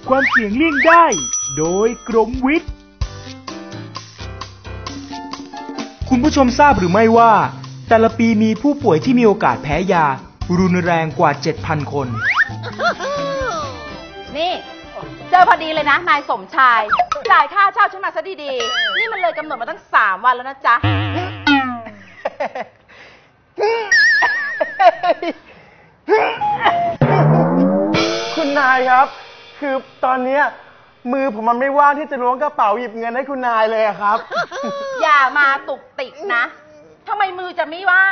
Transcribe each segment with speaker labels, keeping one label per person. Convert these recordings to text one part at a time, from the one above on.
Speaker 1: ความเสี่ยงเลี่ยงได้โดยกรมวิทย์คุณผู้ชมทราบหรือไม่ว่าแต่ละปีมีผู้ป่วยที่มีโอกาสแพ้ยารุนแรงกว่า 7,000 คน
Speaker 2: นี่เจอพอดีเลยนะนายสมชายจ่ายค่าเช่าฉันมาซะดีๆนี่มันเลยกำหนดมาตั้ง3 วันแล้วนะจ๊ะ
Speaker 3: คุณนายครับคือตอนนี้มือผมมันไม่ว่างที่จะล้วงกระเป๋าหยิบเงินให้คุณนายเลยครับ
Speaker 2: อย่ามาตุกติกนะทำไมมือจะไม่ว่าง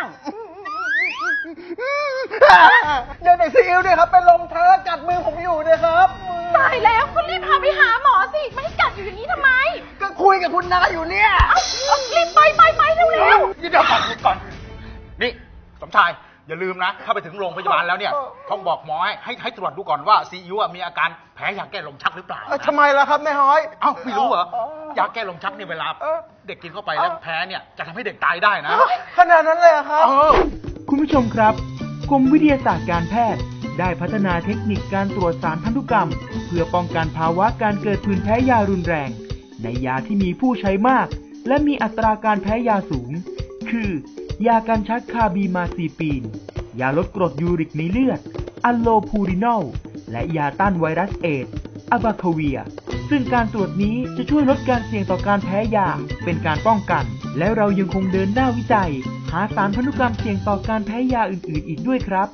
Speaker 3: เดี๋ยวซีอิ๊วเนี่ยครับเป็นลมเธอกัดมือผมอยู่เนี่ยครับ
Speaker 2: ตายแล้วคุณรีบพาไปหาหมอสิไม่ให้กัดอยู่อย่างนี้ทำไม
Speaker 3: ก็คุยกับคุณนายอยู่เนี่ย
Speaker 2: รีบไปเร็ว
Speaker 4: เดี๋ยวก่อนนี่สมชายอย่าลืมนะถ้าไปถึงโรงพยาบาลแล้วเนี่ยต้องบอกหมอให้ตรวจดูก่อนว่าซีอิ๊วมีอาการแพ้ยาแก้ลมชักหรือเปล่า
Speaker 3: ทำไมล่ะครับแม่ฮ้อย
Speaker 4: เอ้าไม่รู้เหรอยาแก้ลมชักเนี่ยเวลาเด็กกินเข้าไปแล้วแพ้เนี่ยจะทำให้เด็กตายได้นะ
Speaker 3: ขนาดนั้นเลยครับ
Speaker 1: คุณผู้ชมครับกรมวิทยาศาสตร์การแพทย์ได้พัฒนาเทคนิคการตรวจสารพันธุกรรมเพื่อป้องกันภาวะการเกิดผื่นแพ้ยารุนแรงในยาที่มีผู้ใช้มากและมีอัตราการแพ้ยาสูงคือยากันชักคาบีมาซีปีนยาลดกรดยูริกในเลือดอัลโลพูรินอลและยาต้านไวรัสเอดส์อะบาคาเวียซึ่งการตรวจนี้จะช่วยลดการเสี่ยงต่อการแพ้ยาเป็นการป้องกันและเรายังคงเดินหน้าวิจัยหาสารพันธุกรรมเสี่ยงต่อการแพ้ยาอื่นๆอีกด้วยครับ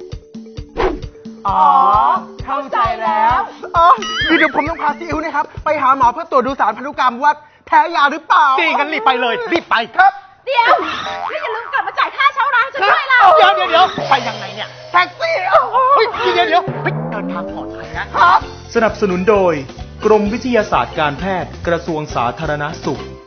Speaker 3: เข้าใจแล้วเดี๋ยวผมต้องพาซีอิ๊วนะครับไปหาหมอเพื่อตรวจดูสารพันธุกรรมว่าแพ้ยาหรือเปล่า
Speaker 4: ดีกันรีบไปเลยรีบไป
Speaker 3: ครับ
Speaker 2: เดี๋ยวไม่อย่าลืมกลับมาจ่ายค่าเช่าร้านฉันด้วยล่ะ
Speaker 4: เดี๋ยวไปยังไงเนี่ย
Speaker 3: แท็กซี่
Speaker 4: เดี๋ยวเดินทางปลอดภัยนะครับ
Speaker 1: สนับสนุนโดยกรมวิทยาศาสตร์การแพทย์กระทรวงสาธารณสุข